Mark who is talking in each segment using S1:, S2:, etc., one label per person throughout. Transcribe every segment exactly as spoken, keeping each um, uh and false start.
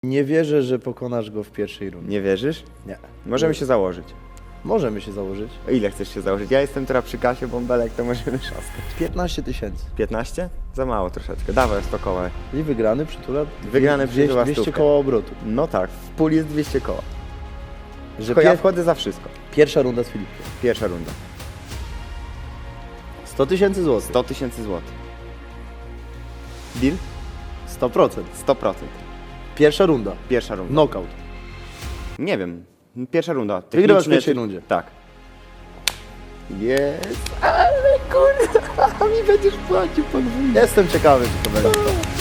S1: Nie wierzę, że pokonasz go w pierwszej rundzie.
S2: Nie wierzysz?
S1: Nie.
S2: Możemy się założyć.
S1: Możemy się założyć.
S2: O ile chcesz się założyć? Ja jestem teraz przy kasie bąbelek, to możemy trzaskać.
S1: piętnaście tysięcy.
S2: piętnaście? Za mało troszeczkę. Dawaj, sto koła.
S1: I wygrany przytula
S2: Wygrany przytula
S1: dwieście
S2: stówkę.
S1: koła obrotu.
S2: No tak, w puli jest dwieście koła.
S1: Że
S2: Tylko ja
S1: pier...
S2: wchodzę za wszystko.
S1: Pierwsza runda z Filipkiem.
S2: Pierwsza runda.
S1: sto tysięcy złotych.
S2: sto tysięcy złotych. Deal?
S1: sto procent.
S2: sto procent.
S1: Pierwsza runda.
S2: Pierwsza runda.
S1: Knockout.
S2: Nie wiem. Pierwsza runda.
S1: Wygrywasz w
S2: Techniczne
S1: pierwszej
S2: czy-
S1: rundzie.
S2: Tak. Jest, ale kurde, mi będziesz płacił podwójnie.
S1: Jestem ciekawy, czy to będzie.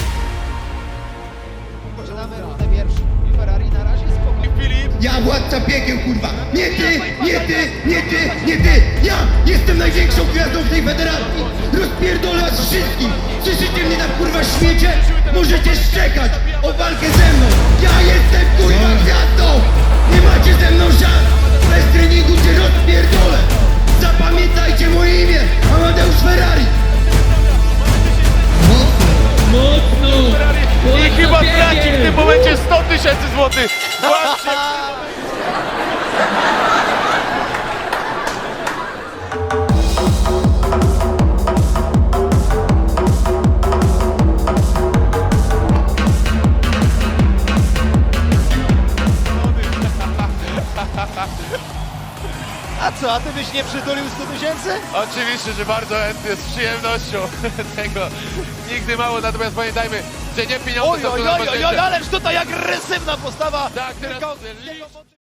S3: Zaczynamy rundę pierwszą. I Ferrari na razie spokojnie. Filip!
S4: Ja władca piekieł, kurwa! Nie ty, nie ty, nie ty, nie ty! Ja jestem największą gwiazdą w tej federacji! Rozpierdolę was wszystkich! Słyszycie mnie na kurwa śmiecie? Możecie szczekać o walkę ze mną! Ja jestem kurwa gwiazdą! Nie macie ze mną szans! Bez treningu cię rozpierdolę! Zapamiętajcie moje imię! Amadeusz Ferrari!
S5: I chyba traci w tym momencie sto tysięcy złotych! Właśnie!
S3: A co, a ty byś nie przytulił sto tysięcy?
S5: Oczywiście, że bardzo chętnie, z przyjemnością tego nigdy mało, natomiast pamiętajmy, że nie pieniądze
S3: Oj,
S5: są
S3: oj,
S5: tu
S3: oj, oj, oj,
S5: najważniejsze.
S3: ależ tutaj agresywna postawa!
S5: Tak, teraz...
S3: Tylko-